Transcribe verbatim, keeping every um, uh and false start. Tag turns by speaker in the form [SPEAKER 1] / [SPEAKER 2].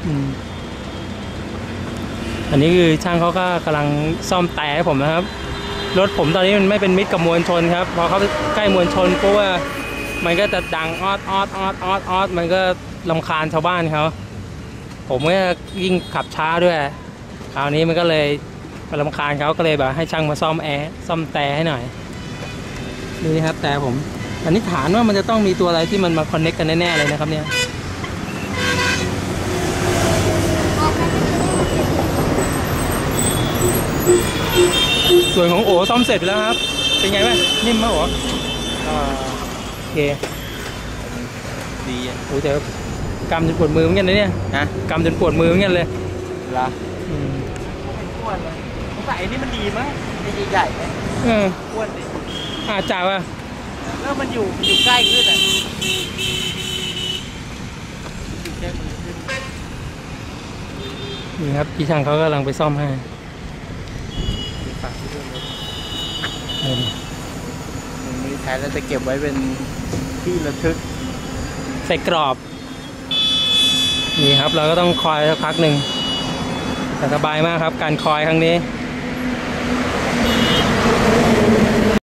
[SPEAKER 1] อันนี้คือช่างเขาก็กำลังซ่อมแต่ให้ผมนะครับรถผมตอนนี้มันไม่เป็นมิตรกับมวลชนครับพอเขาใกล้มวลชนเพราะว่ามันก็จะดังออดออดออดออดออดมันก็รำคาญชาวบ้านเขาผมก็ยิ่งขับช้าด้วยคราวนี้มันก็เลยรำคาญเขาก็เลยแบบให้ช่างมาซ่อมแอร์ซ่อมแต่ให้หน่อยดูนี่ครับแต่ผมสันนิษฐานว่ามันจะต้องมีตัวอะไรที่มันมาคอนเนคกันแน่ๆเลยนะครับเนี่ยส่วนของโอซ่อมเสร็จไปแล้วครับเป็นไงบ้างนิ่มไหมโอโอเค
[SPEAKER 2] ดีอ่ะ
[SPEAKER 1] โอ้แต่กำจนปวดมือเหมือนกันนะเนี่ย
[SPEAKER 2] นะ
[SPEAKER 1] กำจนปวดมือเหมือนกันเลย
[SPEAKER 2] เหรออืมอ้วนเลยใส่นี่มันดีมั้งดีใหญ่ไหม
[SPEAKER 1] เออ
[SPEAKER 2] อ้วนดิ
[SPEAKER 1] อาจ่าว่ะ
[SPEAKER 2] แล้วมันอยู่มันอยู่ใกล้ขึ้นอ่ะอยู่ใกล้มือขึ้น
[SPEAKER 1] นี่ครับพี่ช่างเขากำลังไปซ่อมให้
[SPEAKER 2] มันมีแท้แล้วจะเก็บไว้เป็นที่ระทึก
[SPEAKER 1] ใส่กรอบนี่ครับเราก็ต้องคอยสักพักหนึ่งแต่สบายมากครับการคอยครั้งนี้